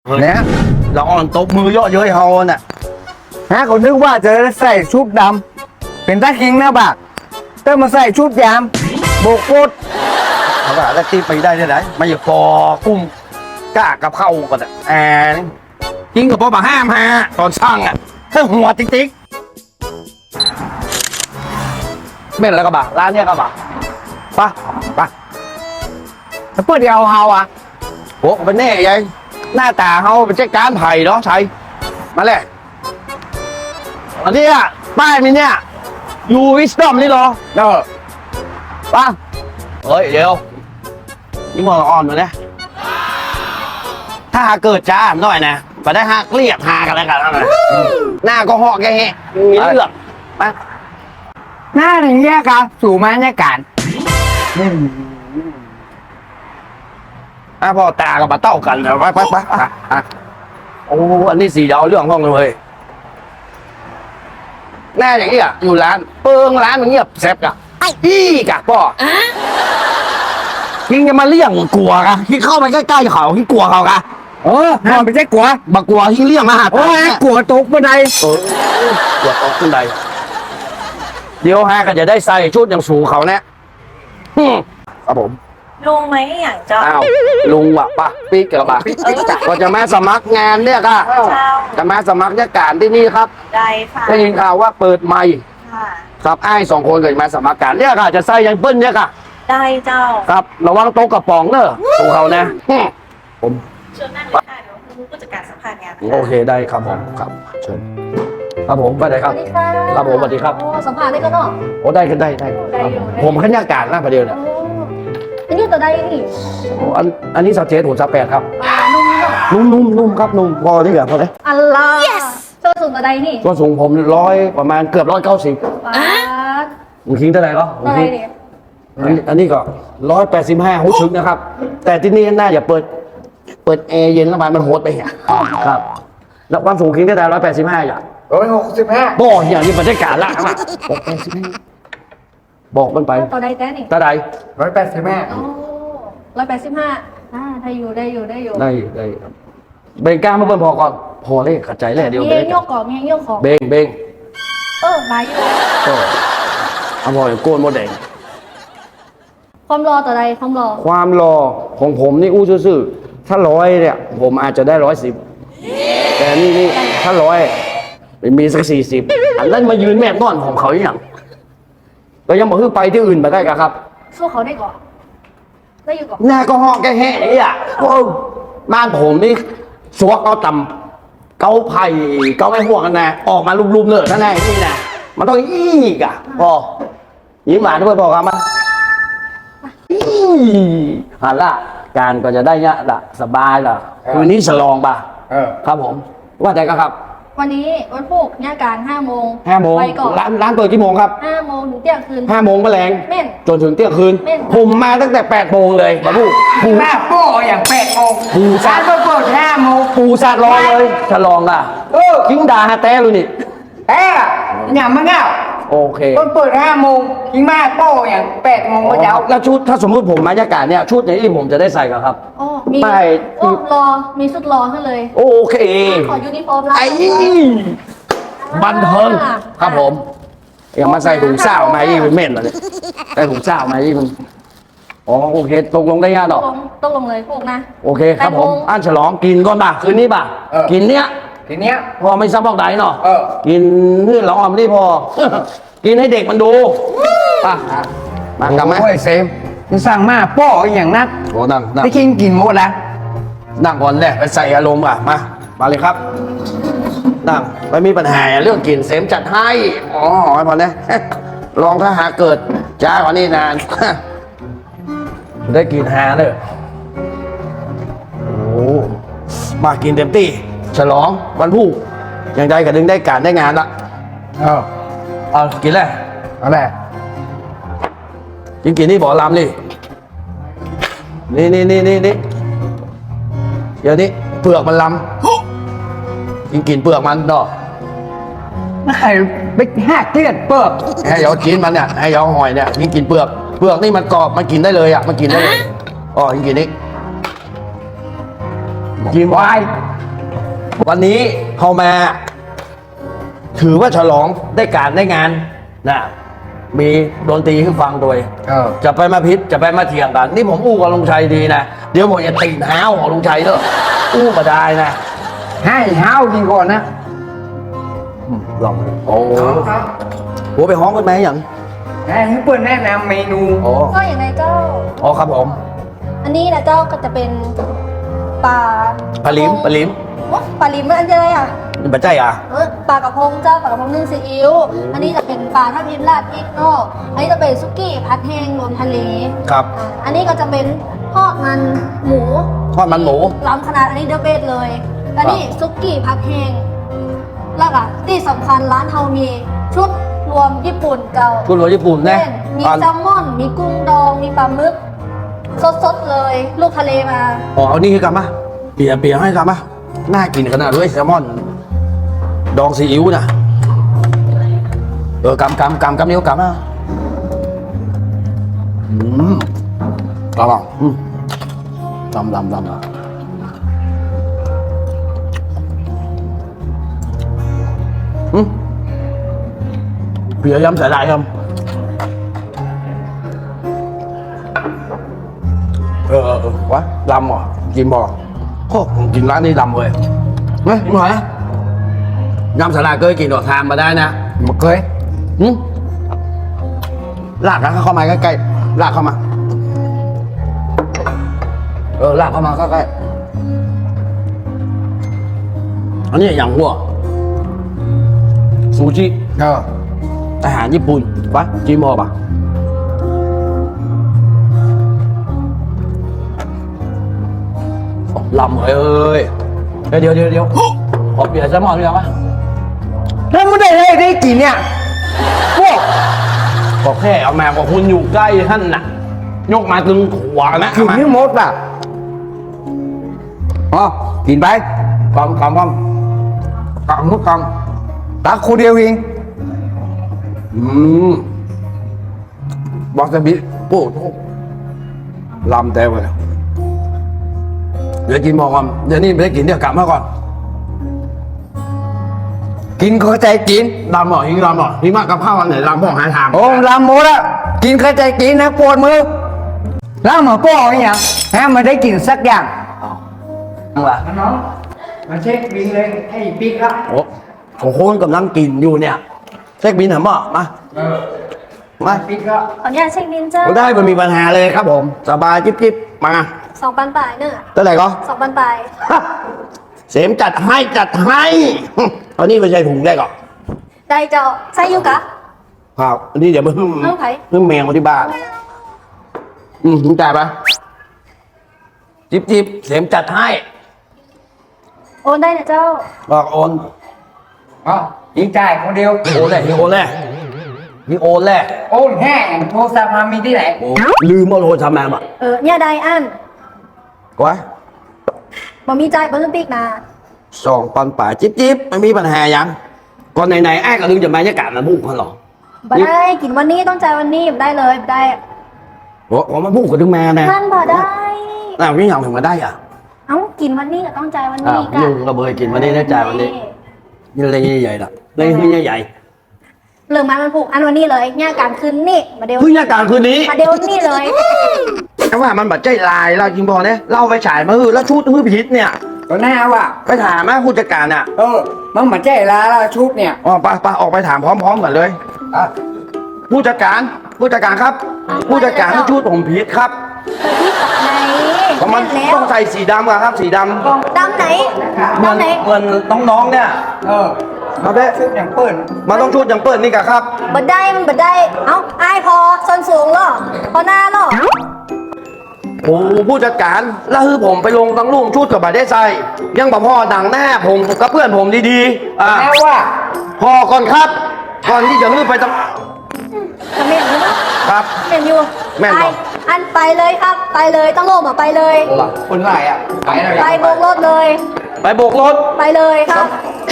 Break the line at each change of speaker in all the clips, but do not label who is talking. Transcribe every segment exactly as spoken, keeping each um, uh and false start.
เนี่ยเราอ่อนตบมือเยอะเย้ยเฮาน่ะ
ฮะคนนึกว่าจะใส่ชุดดำเป็นตาคิงนะบักเต้มาใส่ชุดยามโบกโคตร
เขาว่าแล้วที่ไปได้ที่ไหนไม่อยากพอกุ้มกล้ากับเข้ากันอ่ะแอนกินกับพ่อมาห้ามฮะตอนช่างอ่ะถ้าหัวติ๊กติ๊กเม่นแล้วก็บ่าร้านเนี้ยก็บ่าปะปะ
แล้วเพื่อเดียวเฮาอ่ะ
โอ้เป็นแน่ยัยหน้าตาเฮาเป็นเจ๊การไผ่เนาะใช่มาเลยอันนี้อ่ะป้ายมีเนี่ยยูวิสตอมนี่เหรอเออป้าเฮ้ยเดี๋ยวนี่มองอ่อนมาเนี่ยถ้าหาเกิดจ้าหน่อยนะไปได้หักเรียกหากันแล้วกันนะหน้าก็หอกแกแฮะมีเลือดมา
หน้าถึงแยกกันสู่มาเนี่ยการ
อ่ะพ่อตากับมาเต้ากันแล้วไปไปไปอ่ะอ่ะโอ้อันนี้สีเดาเรื่องห้องเลยแน่อย่างนี้อ่ะอยู่ร้านเปิงร้านมันเงียบแซ่บกะอี้กะพ่อยิงจะมาเลี่ยงกลัวกะที่เข้าไปใกล้ๆเขาที่กลัวเขากะ
เออพอไปใช่กัว
บักกลัวที่เลี่ยงมาหา
โอ้ยกัวตกบันได
เออกลัวตกขึ้นใดเดี๋ยวฮะก็จะได้ใส่ชุดอย่างสูงเขาแน่อืมครับผม
ลุงไหมอย่างเจ้า
อ้าวลุงวะปะปีกกับปะก็จะมาสมัครงานเนี่ยค่ะ
เจ้า
จะมาสมัครราชการที่นี่ครับ
ได้ค่ะ
ได้ยินข่าวว่าเปิดใหม่
ค่ะ
ครับไอ้ายสองคนเกิดมาสมัครการเนี่ยค่ะจะใส่ยังเปิ้ลเนี่ยค่ะ
ได้เจ้า
ครับระวังโต๊ะกระป๋องเนอะสูเขานะอืมผม
เชิญนั่งเลยค่ะเดี๋ยวคุณผู้จัดการสัมภาษณ์งาน
โอเคได้ครับผมครับเชิญครับผมไปไหนครับ
สวัสดีค่ะ
ครับผมสวัสดีครับ
โอ้สัมภาษณ์ได้ก็เนาะ
โอ้ได้กันได้ได้ครับผมผมขันยาการหน้าประเดี๋ยวเนี่ย
โอ้อันนี้ตัวใดนี่
โอ้อันอันนี้สาวเจ๊ถูกสาวแปดครับ
ปลานุ่มเนาะ
นุ่มนุ่มนุ่มครับนุ่มพอที่เหลือพอเลย
อัลลาส่วนสูงตัวใดนี่
ส่วนสูงผมร้อยประมาณเกือบร้อยเก้าสิบ
ปลา
ผมคิงเท่าไหร่ก็ผม
ตัวใด
คิง
นี่
อันนี้อันนี้ก็ร้อยแปดสิบห้าหุชึกนะครับ แต่ที่นี่น่าจะเปิด เปิดแอร์เย็นแล้วมันมันโหดไปเหี้ยครับแล้วความสูงคิงได้แต่ร้อยแปดสิบห้าอย่าง
ร้อยหกสิบห้า
บ่อย่างนี้บรรยากาศละครับบอกแปดสิบห้าบอกมันไป
ตัวใดแต่นี่
ตาใด
ร้อยแปดสิบห้า
โอ้ร้อยแปดสิบห้าอ่าได้อยู่ได้อยู่ได้อยู่
ได้ได้ครับเบงกล้ามาเบิ่นพอก่อนพอเลยขัดใจเลยเดี๋ยว
มี
เบ
เอง งโยกของมีเองโยกของ
เบงเบง
เออมาอยู่
ก็เอาพออย่างโกนโมเดล
ความรอตัวใดความรอ
ความรอของผมนี่อู้ซื่อๆถ้าร้อยเนี่ย ผมอาจจะได้ร้อยสิบแต่นี่นี่ถ้าร้อยมีสักสี่สิบอันนั้นมายืนแม่นอนของเขาอย่างเรายังบอกให้ไปที่อื่นไปได้กันครับ
สู้เขาได้ก่อนได้อยู่ก่อน
หน้าก็ห้องแกแห่อย่างนี้อ่ะโอ้บ้านผมนี่สวกเอาต่ำเกาไผ่เกาไอ้ห่วงกันนะออกมาลุมๆเลยนั่นไงนี่นะมันต้องอีกอ่ะพอยิ้มหวานด้วยพอครับมาอีหันละการก็จะได้เนี่ยละสบายละคืนนี้ฉลองป่ะ
เออ
ครับผม ว่าแต่ก็ครับ
วันนี้วันพุธหน้าการห้าโมง
ห้าโมง
ไปก่อน
ร้านร้านเปิดกี่โมงครับ
ห้าโมงถึงเที่ยงคืน
ห้าโมงแมลง
แม่น
จนถึงเที่ยงคืน
แม่น
ผมมาตั้งแต่แปดโมงเลยมาพูดปู
หน้าโป้อย่างแปดโมง
ปู
ร้านก็เปิดห้าโมง
ปูสาดรอเลยฉลองอ่ะ
เออ
คิงดาฮาแต้เลยนี่
แต่อย่างมันเงา
โอเค
ต้นเปิดห้าโมงยิงมาโป้อย่างแปดโมงก็จะเอา
แล้วชุดถ้าสมมติผมมายากาศเนี่ยชุดอย่างนี้ผมจะได้ใส่กับครับ
โอ้มี
ไม่
โอ้รอ มีสุดรอให้เลย
โอเค
ขอยูนิฟอร์มร้าน
ไอ้บันเทิงครับผมอย่ามาใส่ถุงเศร้ามาอีกเป็นเม่นเลยใส่ถุงเศร้ามาอีกมันอ๋อโอเคตกลงได้ยากหร
ต้
อ
องลงต้องลงเลยพวกนะ
โอเคครับผม
แปดโมง
อันฉลองกินก่อนป่ะคืนนี้ป่ะ
เออ
กินเนี้ย
ทีเนี้ย
พอไม่ซ้ำบอกใดเนาะ
เออ
กินนี่เราออมนี่พอ กินให้เด็กมันดูป่ะมากลับมา
โอ้ยเซมจะสั่งมาโป้อย่างนัก
โอ้นั่งนั่ง
ได้กินกินหมดแล้ว
นั่งก่อนเลยไปใส่อารมณ์อ่ะมามาเลยครับนั่งไม่มีปัญหาเรื่องกินเสมจัดให้อ๋อให้พอนะ ลองถ้าหาเกิดจ้ากว่านี้นาน ได้กินหาเลยโอ้มากินเต็มที่ฉลองวันผู้ยังได้กับดึงได้การได้งานละ
เออ
เอากินเลย
เอาแหละ
กินกินนี่บอกลำนี่นี่นี่นี่นี่นี่เดี๋ยวนี้เปลือกมันลำกินกินเปลือกมันเนาะ
ไม่ใครไปหักเลือดเปิด
ให้ยอกินมันเนี่ยให้ยอหอยเนี่ยกินกินเปลือกเปลือกนี่มันกรอบมันกินได้เลยอ่ะมันกินได้เลยอ๋อกินกินนี่กิน
วาย
วันนี้เขามา ถือว่าฉลองได้การได้งานนะมีดนตรีให้ฟังโดย
เออ
จะไปมาพิษจะไปมาเถียงกัน นี่ผมอู้กับลุงชัยดีนะเดี๋ยวผมจะตีนห้าวของลุงชัยเถอะอู้มาได้นะ
ให้ห้าวกินก่อนนะ
ลองดูโอ้โหโหไปห้องกันไหมอย่าง
ให้เพื่อนแนะนำเมนู
โอ้
ก็อย่างไรเจ้า
อ๋อครับผม
อันนี้นะเจ้าก็จะเป็นปลา
ปลาลิมปลาลิม
โอ๊ะปลาลิมมันอันอะไรอ่ะ
นี่ปัจจัยอ่ะ
เออปลากระพงเจ้าปลากระพงนึ่งซีอิ๊วอันนี้จะเป็นปลาทับทิมราดพริกเนอกอันนี้จะเป็นซุกี้ผัดแห้งรวมทะเล
ครับ
อ่าอันนี้ก็จะเป็นทอดมันหมู
ทอดมันหมู
ล้ำขนาดอันนี้เดอะเบสเลยอันนี้ซุกี้ผัดแห้งแล้วก็ที่สำคัญร้านเฮามีชุดรวมญี่ปุ่นเก่า
คุณหลวงญี่ปุ่นนะ
เช่นมี
อ่า
แซลมอน มีกุ้งดอง มีปลาหมึก สดๆเลย ลูกทะเลมา
อ๋อเอานี่ให้กลับมาเปียเปียให้กลับมาน่ากินขนาดด้วยแซลมอน ดองซีอิ๊วนะเออกำกำกำกำนิ้วกำนะอืมกำอ่ะอืมดำดำดำอ่ะอืมเปียยำใส่ได้ครับเออเออเออวะลำเหรอกินบ่โอ้ผมกินร้านนี้ลำเลยเฮ้ยมึงหน่อยนะยำสลัดเคยกินหรอทานมาได้นะ
มาเคย
หืมลากเข้ามาใกล้ๆลากเข้ามา เออลากเข้ามาใกล้ๆอันนี้อย่างหัวซูชิ
เออ
อาหารญี่ปุ่นปะจีมอปะลำเอ้ยเดี๋ยวเดี๋ยวเดี๋ยวขอเปลี่ยนแซลมอนด้วยปะ
แล้วไม่ได้ให้ได้กินเนี่ยพวก
ก็แค่เอาแมวกับคุณอยู่ใกล้ท่านน่ะ ยกมาตึงขวานะ
กินไม่หมดอ่ะอ๋อกินไป
กำกำกำกำทุกกำ
ตักคนเดียวเอง
อืมวาซาบิโป้ทุกลำแต่ไปเดี๋ยวกินหมอก่อนเดี๋ยวนี้ไม่ได้กินเดี๋ยวกลับมาก่อน
กินเข้าใจกิน
ลำหมอหิงลำหมอหิงมากกับข้าววันไหนลำพ่อหาทาง
โอ้ลำหมดอะกินเข้าใจกินนะปวดมือแล้วมาป้อไอ้ยังให้มันได้กินสักอย่าง
ล่ะ
น้องมาเช็คบินเลยให้ปิ๊กละ
โอ้โหคนกำลังกินอยู่เนี่ยเช็คบินเหรอหมอมา
เออ
มา
ปิ๊กละ
ขออนุญาตเช็คบินเจ้า
ได้ไม่มีปัญหาเลยครับผม สบายจิ๊บจิ๊บมา
สองปันปลายเนอะ
เท่าไหร่ก็
สองปันปลาย
ฮะเสมจัดให้จัดให้ตอนนี้ไม่ใช่ถุงได้ก่อน
ได้เจ้าใช่อยุกะ
ครับอันนี้เดี๋ยวมึง
เอาไผ่
มึงแมวที่บ้านอืมถุงจ่ายปะจิ๊บจิ๊บเสมจัดให้
โอนได้นะเจ้า
บอกโอน
อ๋อยิงจ่ายคนเดียว
โอนแหละนี่โอนแหละนี่โอนแหละ
โอนแห้งโทรศัพท์มามีที่ไหน
โอ้ลืมเอาโทรศัพท์มาอ่ะ
เออเนี่ยได้อัน
กว่า
บ่มีใจายเบิ้ลปิกมา
สองปันป่าจิ๊บจิ๊บไม่มีปัญหายังก่อนไหนๆไอ้ก็ลืมจะบรรยากาศมาบุกเขาหรอ
บ่ได้กินวันนี้ต้องจ่ายวันนี้บ่ได้เลยบ่ได้
โอ้ผมมาบุกกับถึงแม่นะ
มันบ่ได้
อ้าวนี่ยังถึงมาได้อ่ะ
เอ้ากินวันนี้ก็ต้องจ่ายวัน
อ้า
นี้
ว
กะ
ยุงกระเบยกินวันนี้ได้จ่ายวันนี้นี่อะไรใหญ่ๆล่ะอะไรใหญ่
เรื่องมันมันผูกอันวันนี้เลยเนี่ยการคืนนี่มาเดียว
ๆเพิ่งยากลางคืนนี้
มาเดียวนี่เลย
แต่ว่ามันบัดใจลายเราจริงพอเนี่ยเล่าไปฉายมาฮือแล้วชุดฮือพิษเนี่ย
ก็น่าว่ะ
ไปถามแม่ผู้จัดการอ่ะ
เออมันมาแจ้ลาละชุดเนี่ย
อ๋อไปไปออกไปถามพร้อมๆกันเลย
อ่ะ
ผู้จัดการผู้จัดการครับ ผู้จัดการชุดผมพิษครับ
เปิดที่กับไหน
เพราะมัน
แน่นแล้ว
ต้องใส่สีดำอะครับ สีดำ
ดำไหน
เหมือน
ดำไหน
เหมือนน้องๆเนี่ย
เออ
มาได้
ชุดอย่างเปิ้ล
มันต้องชุดอย่างเปิดนี่กะครับ
บัดได้มันบัดได้ เอ้าอายพอส้นสูงเหรอพอหน้าเหรอ
โอ้ผู้จัดการแล้วคือผมไปลงตั้งรูปชุดกับบาได้ใส่ยังบอกพ่อหนังหน้าผมกับเพื่อนผมดีๆอ่า
แน่ว่า
พอก่อนครับ ก่อนที่จะลืมไปต้อง
จะเม่นอยู่มั้ย
ครับ
เม่นอยู่
แม่น
ไป
บ่
อันไปเลยครับ ไปเลยต้องโลมอ่ะไปเลย
คนไหนอ่ะไปแล้ว
ไปโบกรถเลย
ไปโบกรถ
ไปเลยครับ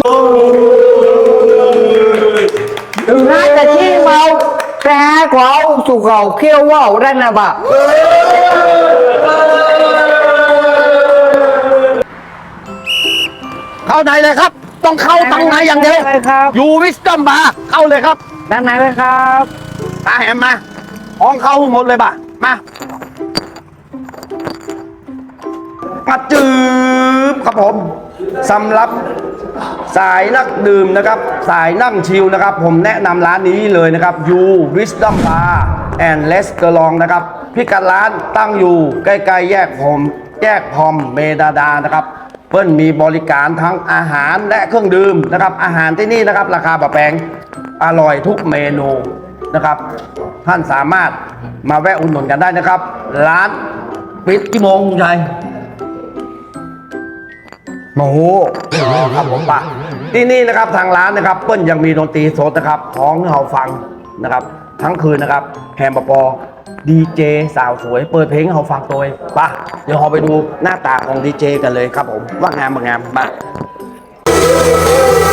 ถึงน่าจะชี้เมาแต่หากว่าเอาสุกเขาเขี้ยวว่าวได้นะบ่ะ
อเข้าในเลยครับ ต้องเข้าตั้งในอย่างเดียว
เลยครับ
อยู่วิสตอมบาร์เข้าเลยครับ
ด้านในเลยครับ
ตาแหมมาห้องเข้าหมดเลยป่ะมามาจืบครับผมสำหรับสายนักดื่มนะครับ สายนั่งชิลนะครับ ผมแนะนำร้านนี้เลยนะครับ You Wisdom Bar and Restaurant นะครับพิกัดร้านตั้งอยู่ใกล้ๆแยกผมแยกพอมเมดาดานะครับ เพิ่นมีบริการทั้งอาหารและเครื่องดื่มนะครับ อาหารที่นี่นะครับ ราคาแบบแพงอร่อยทุกเมนูนะครับ ท่านสามารถมาแวะอุดหนุนกันได้นะครับ ร้านปิดกี่โมงคุณชัย
โอ้โห
ครับผมปะที่นี่นะครับทางร้านนะครับเปิ้ลยังมีดนตรีสดนะครับท้องให้เราฟังนะครับ ทั้งคืนนะครับแฮมปอปอดีเจสาวสวยเปิดเพลงให้เราฟังโดยปะเดี๋ยวเราไปดูหน้าตาของดีเจกันเลยครับผมว่างามบางงามมา